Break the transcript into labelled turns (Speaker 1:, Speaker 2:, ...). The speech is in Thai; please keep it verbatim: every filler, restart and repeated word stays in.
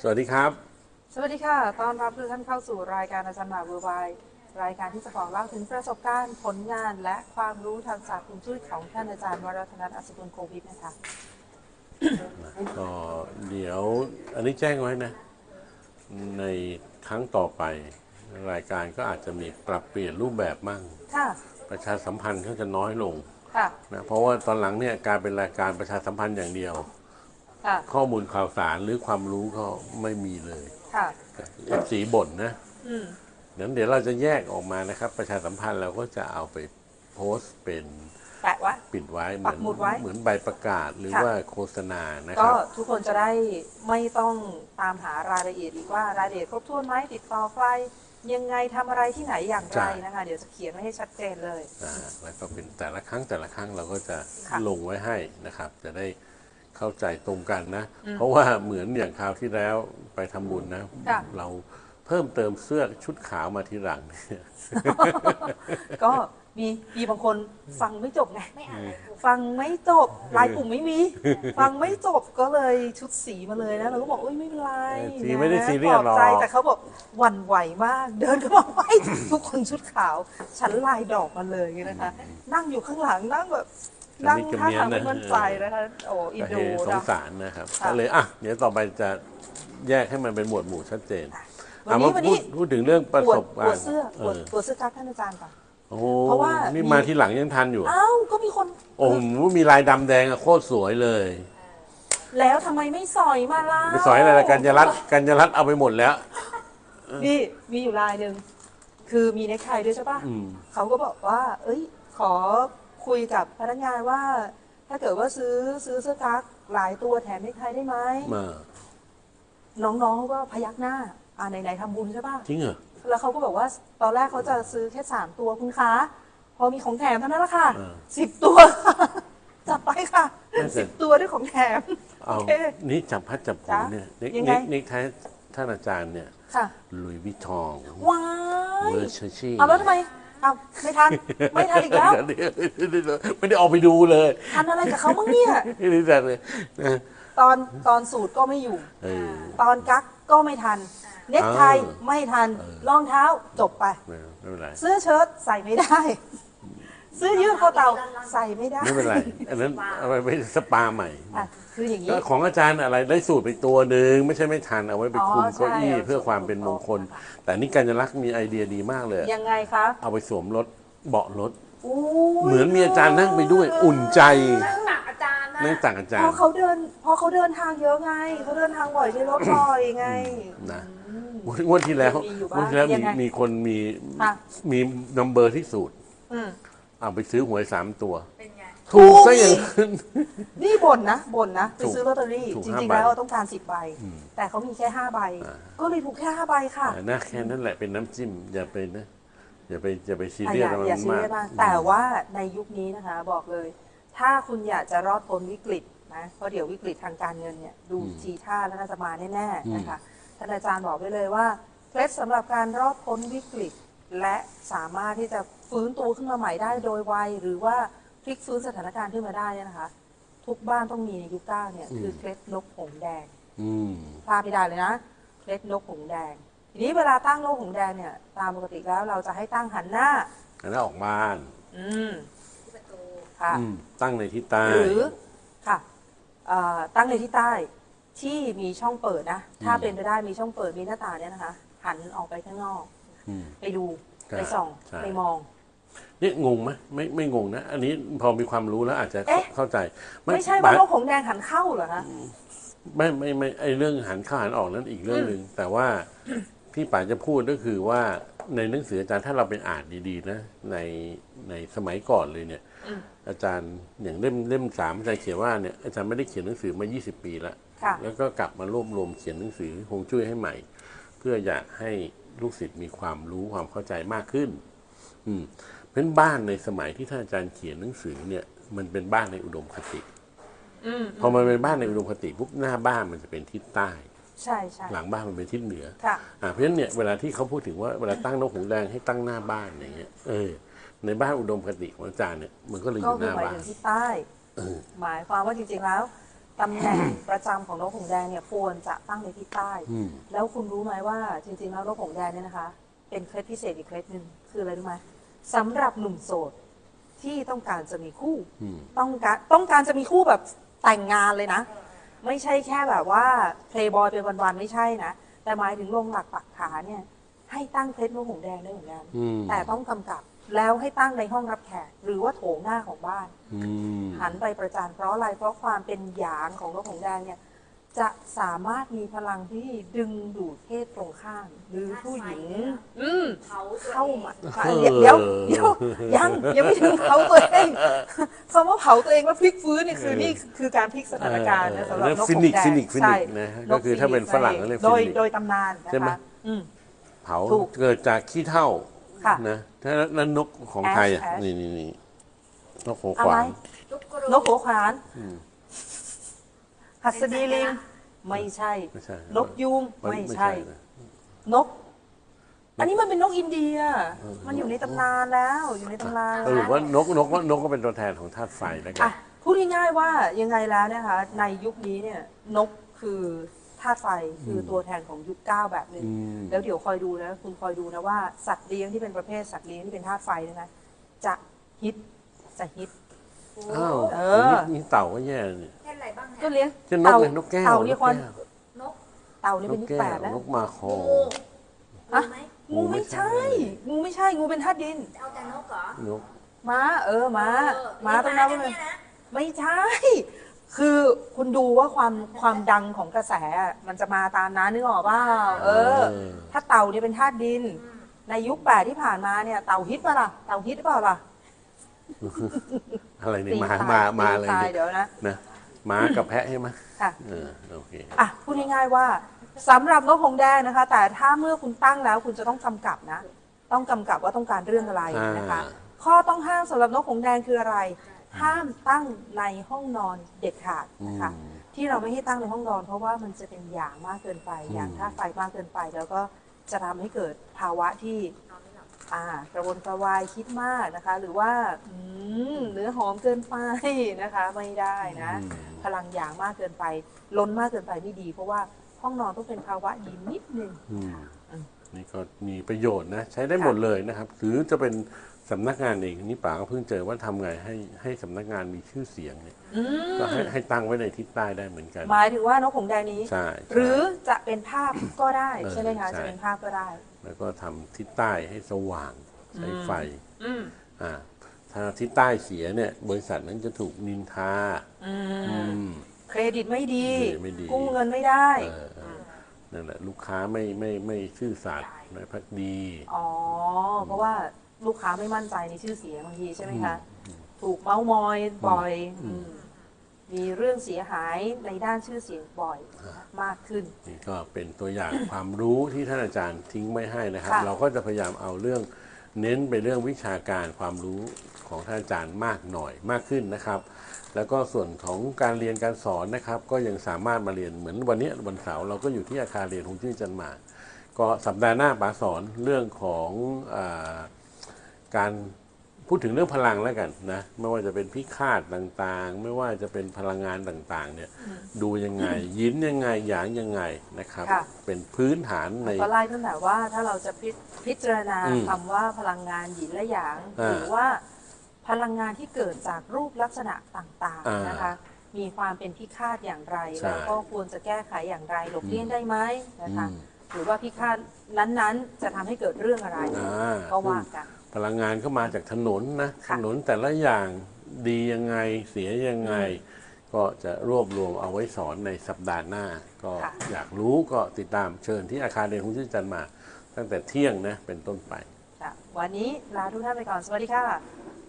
Speaker 1: วัสดีครับ
Speaker 2: สวัสดีค่ะต้อนรับทุกท่านเข้าสู่รายการอาจารย์หมาเวอร์ไวรายการที่จะบอกเล่าถึงประสบการณ์ผลงานและความรู้ทางศาสตร์ฮวงจุ้ยของท่านอาจารย์วรัตนัท อัศกุลโควิดนะคะ
Speaker 1: ก็เดี๋ยวอันนี้แจ้งไว้นะในครั้งต่อไปรายการก็อาจจะมีปรับเปลี่ยนรูปแบบมั่ง
Speaker 2: ค่ะ
Speaker 1: ประชาสัมพันธ์ก็จะน้อยลง
Speaker 2: ค่ะ
Speaker 1: นะเพราะว่าตอนหลังเนี่ยการเป็นรายการประชาสัมพันธ์อย่างเดียว
Speaker 2: ค่ะ
Speaker 1: ข้อมูลข่าวสารหรือความรู้ก็ไม่มีเลย
Speaker 2: ค่ะ
Speaker 1: เอฟซีบ่นนะ
Speaker 2: อืม
Speaker 1: นั้นเดี๋ยวเราจะแยกออกมานะครับประชาสัมพันธ์เราก็จะเอาไปโพสต์เป็น
Speaker 2: แปะไว้
Speaker 1: ปิดไว้เห
Speaker 2: ปั
Speaker 1: มือน
Speaker 2: กหมุดไว้
Speaker 1: เหมือนใบประกาศหรือ
Speaker 2: ค่ะ
Speaker 1: ว่าโฆษณานะค
Speaker 2: ก็
Speaker 1: รับ
Speaker 2: ทุกคนจะได้ไม่ต้องตามหารายละเอียดอีกว่ารายละเอียดครบถ้วนไหมติดต่อใครยังไงทำอะไรที่ไหนอย่างไรนะคะเดี๋ยวจะเขียนไว้ให้ชัดเจนเลย
Speaker 1: อ่าแล้วก็เป็นแต่ละครั้งแต่ละครั้งเราก็จะ
Speaker 2: ค่ะ
Speaker 1: ลงไว้ให้นะครับ จะได้เข้าใจตรงกันนะ เพราะว่าเหมือนอย่างคราวที่แล้วไปทำบุญนะ
Speaker 2: ค่ะ
Speaker 1: เราเพิ่มเติมเสื้อชุดขาวมาทีหลังเนี่ย
Speaker 2: ก็มีมีบางคนฟังไม่จบไง
Speaker 3: ไม่อ่านเลยถูก
Speaker 2: ฟังไม่จบลายปุ่มไม่มี ฟังไม่จบก็เลยชุดสีมาเลยนะเราก็บอกเอ้ยไม่เป็นไร
Speaker 1: สี
Speaker 2: นะ
Speaker 1: ไม่ได้ซีเรียสหรอก
Speaker 2: ปลบใจแต่เขาบอกหวั่นไหวมาก เดินเข้ามาไหวทุกคนชุดขาว ฉันลายดอกมาเลยนะคะ นั่งอยู่ข้างหลังนั่งแบบนั่งท่าทางไม่มั่นใจนะคะโอ้อิน
Speaker 1: ก็
Speaker 2: โด
Speaker 1: เฮสง
Speaker 2: นะ
Speaker 1: สารนะครับ
Speaker 2: ค่ะ
Speaker 1: ก็เลยอ่ะเดี๋ยวต่อไปจะแยกให้มันเป็นหมวดหมู่ชัดเจน
Speaker 2: วันนี้
Speaker 1: อ่ะมา
Speaker 2: วัน
Speaker 1: พู
Speaker 2: นี้
Speaker 1: ดพูดถึงเรื่องประ
Speaker 2: ปว
Speaker 1: ส
Speaker 2: ด
Speaker 1: บ
Speaker 2: ป
Speaker 1: การ
Speaker 2: วด
Speaker 1: ณ์
Speaker 2: เสื้อ
Speaker 1: เอ
Speaker 2: ปวด
Speaker 1: อ
Speaker 2: ปวดเสื้อกั๊กท่านอาจารย์ก่อน
Speaker 1: โอ้โห
Speaker 2: เพราะว่านี่
Speaker 1: นี่มาทีหลังยังทันอยู่
Speaker 2: อ้าวก็มีคน
Speaker 1: โอ้โหมีลายดำแดงอะโคตรสวยเลย
Speaker 2: แล้วทำไมไม่สอยมาล่ะ
Speaker 1: ไปสอยอะไรละกัญญารัตน์กัญญารัตน์เอาไปหมดแล้ว
Speaker 2: นี่มีอยู่ลายหนึ่งคือมีเนคไทด้วยใช่ปะ
Speaker 1: อืม
Speaker 2: เขาก็บอกว่า เอ้ย ขอคุยกับพนักงานว่า ถ้าเกิดว่าซื้อซื้อเสื้อกั๊กหลายตัวแถมเนคไทได้ไหม
Speaker 1: มา
Speaker 2: น้องๆเขาก็พยักหน้า อ่าไหนๆทำบุญใช่ปะ
Speaker 1: จริงเหรอ
Speaker 2: แล้วเขาก็บอกว่าตอนแรกเขาจะซื้อแค่สามตัวคุณคะพอมีของแถมเท่านั้นแหละค่ะ
Speaker 1: อ่า
Speaker 2: สิบตัวค่ะจับไปค่ะ
Speaker 1: นั่นสิ
Speaker 2: สิบตัวด้วยของแถม
Speaker 1: เอา
Speaker 2: โอเค
Speaker 1: นี่จับพัดจับผู
Speaker 2: จ๊ะ
Speaker 1: เนี่ยนิก
Speaker 2: ยังไง
Speaker 1: นิกนิกท้ายท่านอาจารย์เนี่ย
Speaker 2: ค่ะ
Speaker 1: ลุยวิทอง
Speaker 2: ว้าย
Speaker 1: เวอร์ชชี่
Speaker 2: เอาแล้วทำไมเอาไม่ทันไม่ทันอีกแล้ว
Speaker 1: ไม่ได้ออกไปดูเลย
Speaker 2: ทันอะไรกับเขามั้งเนี่ย
Speaker 1: ไม่ได้จัดเลยนะ
Speaker 2: ตอนตอนสูตรก็ไม่อยู่
Speaker 1: เออ
Speaker 2: ตอนกั๊กก็ไม่ทัน เน็กไท
Speaker 1: เออ
Speaker 2: ไม่ทัน
Speaker 1: เออ
Speaker 2: รองเท้าจบไป
Speaker 1: ไม่ไม่เป็นไร
Speaker 2: เสื้อเชิ้ตใส่ไม่ได้ เสื้อยืดคอเต่าใส่ไม่ได้
Speaker 1: ไม่เป็นไร อันนั้นเอาไปไปสปาใหม่
Speaker 2: อ่ะคืออย่างนี้
Speaker 1: ก็ของอาจารย์อะไรได้สูตรไปตัวหนึ่งไม่ใช่ไม่ทันเอาไว้ไปคุม
Speaker 2: อ๋อใช่
Speaker 1: เก้าอี้เพื่อความเป็นมงคล แต่นี่กัญญาลักษณ์มีไอเดียดีมากเลย
Speaker 2: ยังไงคะ
Speaker 1: เอาไปสวมรถเบาะรถ
Speaker 2: อู้ย
Speaker 1: เหมือนมีอาจารย์นั่งไปด้วยอุ่นใจ
Speaker 3: นั่งหนักอาจารย์นะ
Speaker 1: นั่งต่างอาจาร
Speaker 2: เพ
Speaker 1: ย์
Speaker 2: ราะเขาเดินเพราะเขาเดินทางเยอะไงเขาเดินทางบ่อยใช้รถบ่อยไง
Speaker 1: นะ
Speaker 2: อืม
Speaker 1: งวดที่แล้ว
Speaker 2: มีอยู่บ้าง
Speaker 1: งวดที่แล้ว
Speaker 2: ยั
Speaker 1: มี
Speaker 2: งไง
Speaker 1: มีคนมี
Speaker 2: ค่ะ
Speaker 1: มีนัมเบอร์ที่สูตร
Speaker 2: อืม
Speaker 1: เอาไปซื้อหวยสามตัว
Speaker 3: เป็นไง
Speaker 1: ถูกซะอย่างนั้น
Speaker 2: นี่บ่นนะบ่นนะไป
Speaker 1: ถูก
Speaker 2: ซื้อลอตเตอรี่
Speaker 1: ถูก
Speaker 2: จ
Speaker 1: ห้า
Speaker 2: ริง
Speaker 1: ใบ
Speaker 2: ๆแล้วต้องการสิบใบ
Speaker 1: อืม
Speaker 2: แต่เขามีแค่ห้าใบ
Speaker 1: อ่า
Speaker 2: ก็เลยถูกแค่ห้าใบค่ะ
Speaker 1: อ่านะแค่นั้นแหละเป็นน้ำจิ้มอย่าไปนะอย่าไปอย่าไปซี
Speaker 2: อ่ะ
Speaker 1: เรี
Speaker 2: อย
Speaker 1: ส
Speaker 2: ย่า
Speaker 1: กับ
Speaker 2: อย่า
Speaker 1: มัน
Speaker 2: ซี
Speaker 1: มา
Speaker 2: เรี
Speaker 1: ก
Speaker 2: ยสมากแต่ว่าในยุคนี้นะคะ บอกเลย ถ้าคุณอยากจะรอดพ้นวิกฤตนะเพราะเดี๋ยววิกฤตทางการเงินเนี่ยดู
Speaker 1: อืม
Speaker 2: ทีท่าแล้วน่าจะมาแน่
Speaker 1: อืม
Speaker 2: ๆนะคะท่านอาจารย์บอกไว้เลยว่าเคล็ดสำหรับการรอดพ้นวิกฤต และสามารถที่จะฟื้นตัวขึ้นมาใหม่ได้โดยไวหรือว่าพลิกฟื้นสถานการณ์ขึ้นมาได้เนี่ยนะคะ ทุกบ้านต้องมีในยุคเก้าเนี่ยคือเคล็ดนกหงส์แดง
Speaker 1: อืม
Speaker 2: พลาดไม่ได้เลยนะเคล็ดนกหงส์แดง ทีนี้เวลาตั้งนกหงส์แดงเนี่ยตามปกติแล้วเราจะให้ตั้งหันหน้า
Speaker 1: อันนั้นออกบ้าน
Speaker 2: อืม
Speaker 3: ที่ประตู
Speaker 2: ค่ะ
Speaker 1: อืมตั้งในทิศใต้
Speaker 2: หรือค่ะเอ่อตั้งในที่ใต้ที่มีช่องเปิดนะ ถ้า
Speaker 1: อืม
Speaker 2: เป็นไปได้มีช่องเปิดมีหน้าต่างเนี่ยนะคะ หันออกไปข้างนอก
Speaker 1: อืม
Speaker 2: ไปดู
Speaker 1: ใช่
Speaker 2: ไปส่อง
Speaker 1: ใช่
Speaker 2: ไปมอง
Speaker 1: นี่งงไหมไม่ไม่งงนะ อันนี้พอมีความรู้แล้วอาจจะ
Speaker 2: เอ๊ะ
Speaker 1: เข้าใจ
Speaker 2: ไม่ใช่ว่านกหงส์แดงหันเข้าเหรอคะ
Speaker 1: ไม่ไม่ไม่ไอเรื่องหันเข้าหันออกนั้นอีกเรื่องหนึ่งแต่ว่าที่ป๋าจะพูดก็คือว่าในหนังสืออาจารย์ถ้าเราไปอ่านดีๆนะในในสมัยก่อนเลยเนี่ย
Speaker 2: อืม
Speaker 1: อาจารย์อย่างเล่มเล่มสามอาจารย์เขียนว่าเนี่ยอาจารย์ไม่ได้เขียนหนังสือมา ยี่สิบ ปีแล้ว
Speaker 2: ค่ะ
Speaker 1: แล้วก็กลับมารวบรวมเขียนหนังสือฮวงจุ้ยให้ใหม่ เพื่ออยากให้ลูกศิษย์มีความรู้ความเข้าใจมากขึ้น อืมเป็นบ้านในสมัยที่ท่านอาจารย์เขียนหนังสือเนี่ยมันเป็นบ้านในอุดมคติ
Speaker 2: อืม
Speaker 1: พอมันเป็นบ้านในอุดมคติปุ๊บหน้าบ้านมันจะเป็นทิศใต้
Speaker 2: ใช่ใช่
Speaker 1: หลังบ้านมันเป็นทิศเหนือ
Speaker 2: ค่ะ
Speaker 1: อ่าเพราะฉะนั้นเนี่ยเวลาที่เขาพูดถึงว่าเวลาตั้งนกหงส์แดงให้ตั้งหน้าบ้านอย่างเงี้ยเออในบ้านอุดมคติของอาจารย์เนี่ยมันก็เลยอ
Speaker 2: ก็
Speaker 1: ยู่ห
Speaker 2: คือ
Speaker 1: น้า
Speaker 2: หมาย
Speaker 1: บ้าน
Speaker 2: ถึงที่ใต้
Speaker 1: เออ
Speaker 2: หมายความว่าจริงๆแล้วตำแหน่งประจำของนกหงส์แดงเนี่ยควรจะตั้งในทิศใต้
Speaker 1: อืม
Speaker 2: แล้วคุณรู้ไหมว่าจริงๆแล้วนกหงส์แดงเนี่ยนะคะ เป็นเคล็ดพิเศษอีกเคล็ดหนึ่งคืออะไรรู้ไหมสำหรับหนุ่มโสดที่ต้องการจะมีคู่
Speaker 1: อืม
Speaker 2: ต้องการต้องการจะมีคู่แบบแต่งงานเลยนะ ไม่ใช่แค่แบบว่าเพลย์บอยเป็นวันๆไม่ใช่นะ แต่หมายถึงลงหลักปักฐานเนี่ยให้ตั้งเคล็ดนกหงส์แดงได้เหมือนกัน
Speaker 1: อืม
Speaker 2: แต่ต้องกำกับแล้วให้ตั้งในห้องรับแขกหรือว่าโถงหน้าของบ้าน
Speaker 1: อืม
Speaker 2: หันไปประจานเพราะอะไร เพราะความเป็นหยางของนกหงส์แดงเนี่ยจะสามารถมีพลังที่ดึงดูดเพศตรงข้ามหรือผู้หญิง อืม
Speaker 3: เผาตัว
Speaker 2: เข้า
Speaker 3: เอง
Speaker 2: มาเดี๋ยวเดี๋ยวเดี๋ยวยังยังไม่ถึงเผาตัวเองคำว่าเผาตัวเองแล้วพลิกฟื้นนี่คือนี่คือการพลิกสถานการณ์นะสำหรับนกห
Speaker 1: ฟิ
Speaker 2: ง
Speaker 1: นิก
Speaker 2: ส์แด
Speaker 1: ฟิ
Speaker 2: ง
Speaker 1: นิกฟินิ
Speaker 2: ใช่
Speaker 1: กนะฮะก็คือถ้าเป็นฝรั่งก็เรียก
Speaker 2: โด
Speaker 1: ฟิ
Speaker 2: ย
Speaker 1: นิก
Speaker 2: โดยตำนานนะ
Speaker 1: ใช่ไหม
Speaker 2: คะอืม
Speaker 1: เผา
Speaker 2: ถูก
Speaker 1: เกิดจากขี้เถ้า
Speaker 2: ค่ะ
Speaker 1: นะถ้านั้นนกของไทยอ่ะ
Speaker 2: แอชแอช
Speaker 1: นี่นี่นี่นกหัว
Speaker 2: อะ
Speaker 1: ข
Speaker 2: ไร
Speaker 1: วาน
Speaker 3: ทุกกรู
Speaker 2: นกหัวขวาน
Speaker 1: อืม
Speaker 2: หัสดีลิงไม่ใช่
Speaker 1: ไม่ใช่
Speaker 2: นกยูง
Speaker 1: มัน
Speaker 2: ไม่ใช่
Speaker 1: นะ
Speaker 2: นก อันนี้มันเป็นนกอินเดีย มันอยู่ในตำนานแล้ว อยู่ในตำนาน
Speaker 1: เออ
Speaker 2: แล้ว
Speaker 1: ว่านกนกว่านกก็เป็นตัวแทนของธาตุไฟแล้วกั
Speaker 2: อ่ะ
Speaker 1: น
Speaker 2: พูดง่ายๆว่ายังไงแล้วนะคะ ในยุคนี้เนี่ยนกคือธาตุไฟคือตัวแทนของยุคเก้าแบบหนึ่ง
Speaker 1: อืม
Speaker 2: แล้วเดี๋ยวคอยดูนะคุณคอยดูนะว่าสัตว์เลี้ยงที่เป็นประเภทสัตว์เลี้ยงที่เป็นธาตุไฟเนยนะจะฮิตจะฮิต
Speaker 3: โอ้
Speaker 1: อ้าว
Speaker 2: เออ
Speaker 1: นี่นี่เต่าก็แย่เนี่ย
Speaker 3: เช่นอะไรบ้าง
Speaker 2: ก็
Speaker 3: เนี่ย
Speaker 2: เลี้ยง
Speaker 1: เช่นนกเลยนกแก้ว
Speaker 2: เต่าเนี่ยคน
Speaker 3: นก
Speaker 2: เต่าเนี่ย
Speaker 1: น
Speaker 2: เป็น
Speaker 1: ก
Speaker 2: ยุค
Speaker 1: แก้
Speaker 2: แป
Speaker 1: ว
Speaker 2: ดแล้ว
Speaker 1: นกมาคอ
Speaker 3: งู
Speaker 2: อะ
Speaker 3: งูไหม
Speaker 2: งูไม่ใช่ งูไม่ใช่งูเป็นธาตุดิน
Speaker 3: เอาแต่นกเหรอน
Speaker 1: ก
Speaker 2: ม้าเออม้า
Speaker 3: เออ
Speaker 2: ม้าต้อง
Speaker 3: เลี้
Speaker 2: นั
Speaker 3: ย
Speaker 2: บ
Speaker 3: ง
Speaker 2: ว่า
Speaker 3: ม้า
Speaker 2: เป็น
Speaker 3: เนี่ยนะ
Speaker 2: ไม่ใช่ คือคุณดูว่าความความดังของกระแสอะมันจะมาตามนั้นนึกออกเปล่าเออ
Speaker 1: เออ
Speaker 2: ถ้าเต่าเนี่ยเป็นธาตุดิน ในยุคแปดที่ผ่านมาเนี่ยเต่าฮิตป่ะล่ะเต่าฮิตหรือเปล่าล่ะ
Speaker 1: อะไรเนี่ย
Speaker 2: ตี
Speaker 1: มา
Speaker 2: ทย
Speaker 1: มามา
Speaker 2: ตี
Speaker 1: อะไร
Speaker 2: ทย
Speaker 1: เนี่ย
Speaker 2: เดี๋ยวนะ
Speaker 1: นะม้ากับแพะใช่ไหม
Speaker 2: ค่ะ
Speaker 1: เออโอเค
Speaker 2: อ่ะพูดง่ายๆว่าสำหรับนกหงส์แดงนะคะ แต่ถ้าเมื่อคุณตั้งแล้วคุณจะต้องกำกับนะ ต้องกำกับว่าต้องการเรื่องอะไรนะคะ
Speaker 1: อ่า
Speaker 2: ข้อต้องห้ามสำหรับนกหงส์แดงคืออะไร ห้ามตั้งในห้องนอนเด็ดขาด
Speaker 1: อื
Speaker 2: นะคะ
Speaker 1: ม
Speaker 2: ที่เราไม่ให้ตั้งในห้องนอน เพราะว่ามันจะเป็นหยางมากเกินไปหยาง
Speaker 1: อืม
Speaker 2: ธาตุไฟมากเกินไป แล้วก็จะทำให้เกิดภาวะที่
Speaker 3: นอนไม่หลับ
Speaker 2: อ่ากระวนกระวายคิดมากนะคะ หรือว่าอืมเนื้อหอมเกินไปนะคะ ไม่ได้นะ
Speaker 1: อืม
Speaker 2: พลังหยางมากเกินไป ล้นมากเกินไปไม่ดี เพราะว่าห้องนอนต้องเป็นภาวะเย็นนิดนึง
Speaker 1: อืม
Speaker 2: อืม
Speaker 1: นี่ก็มีประโยชน์นะ ใช้ได้หมดเลยนะครับ หรือจะเป็นสำนักงานเองนี่ป๋าก็เพิ่งเจอว่าทำไงให้ให้สำนักงานมีชื่อเสียงเนี่ย
Speaker 2: อืม
Speaker 1: ก็ให้ให้ตั้งไว้ในทิศใต้ได้เหมือนกัน
Speaker 2: หมายถึงว่านกหงส์แดงนี้
Speaker 1: ใช่ใช่
Speaker 2: หรือจะเป็นภาพก็ได้
Speaker 1: เออ
Speaker 2: ใช่ไหมคะ
Speaker 1: ใช่
Speaker 2: จะเป็นภาพก็ได้
Speaker 1: แล้วก็ทำทิศใต้ให้สว่างใช้ไฟ
Speaker 2: อืม
Speaker 1: อ่าถ้าทิศใต้เสียเนี่ย บริษัทนั้นจะถูกนินทา
Speaker 2: อื
Speaker 1: อื
Speaker 2: ม
Speaker 1: ม
Speaker 2: เครดิตไม่ดี
Speaker 1: เครดิตไม่ดี
Speaker 2: กู้เงินไม่ได้
Speaker 1: เออเออนั่นแหละลูกค้าไม่ไม่ไม่ซื่อสัตย์ไม่พักดี
Speaker 2: อ๋อ เพราะว่าลูกค้าไม่มั่นใจในชื่อเสียงบางทีใช่ไหมคะ ถูกเมาส์มอยบ่อย
Speaker 1: อืม
Speaker 2: อืมมีเรื่องเสียหายในด้านชื่อเสียงบ่อยมากขึ้น
Speaker 1: นี่ก็เป็นตัวอย่าง ความรู้ที่ท่านอาจารย์ทิ้งไว้ให้นะครับ
Speaker 2: ค่ะ
Speaker 1: เราก็จะพยายามเอาเรื่องเน้นไปเรื่องวิชาการความรู้ของท่านอาจารย์มากหน่อยมากขึ้นนะครับ แล้วก็ส่วนของการเรียนการสอนนะครับ ก็ยังสามารถมาเรียนเหมือนวันนี้วันเสาร์เราก็อยู่ที่อาคารเรียนฮวงจุ้ยจันหมากก็สัปดาห์หน้าป๋าสอนเรื่องของอาการพูดถึงเรื่องพลังแล้วกันนะไม่ว่าจะเป็นพิฆาตต่างๆ ไม่ว่าจะเป็นพลังงานต่างๆเนี่ยดูยังไงยินยังไงหยางยังไงนะครับ
Speaker 2: ค่ะ
Speaker 1: เป็นพื้นฐานใน
Speaker 2: ก็ไล่ตั้งแต่ว่าถ้าเราจะพิพิจารณา
Speaker 1: อืม
Speaker 2: คำว่าพลังงานหยินและหยาง
Speaker 1: อ่า
Speaker 2: หรือว่าพลังงานที่เกิดจากรูปลักษณะต่าง
Speaker 1: อ่า
Speaker 2: ๆนะคะ มีความเป็นพิฆาตอย่างไร
Speaker 1: ใช่
Speaker 2: แล้วก็ควรจะแก้ไขอย่างไรหลบเลี่ยงได้ไหมนะคะ
Speaker 1: อืม
Speaker 2: หรือว่าพิฆาตนั้นๆ จะทำให้เกิดเรื่องอะไร
Speaker 1: อ่า
Speaker 2: ก็ว่ากัน
Speaker 1: พลังงานก็มาจากถนนนะถ
Speaker 2: ค่ะ
Speaker 1: นนแต่ละอย่างดียังไงเสียยังไง ก็จะรวบรวมเอาไว้สอนในสัปดาห์หน้า ก็
Speaker 2: ค่ะ
Speaker 1: อยากรู้ก็ติดตามเชิญที่อาคารเรียนฮวงจุ้ยจันทร์มา ตั้งแต่เที่ยงนะเป็นต้นไป
Speaker 2: ค่ะวันนี้ลาทุกท่านไปก่อน สวัสดีค่ะ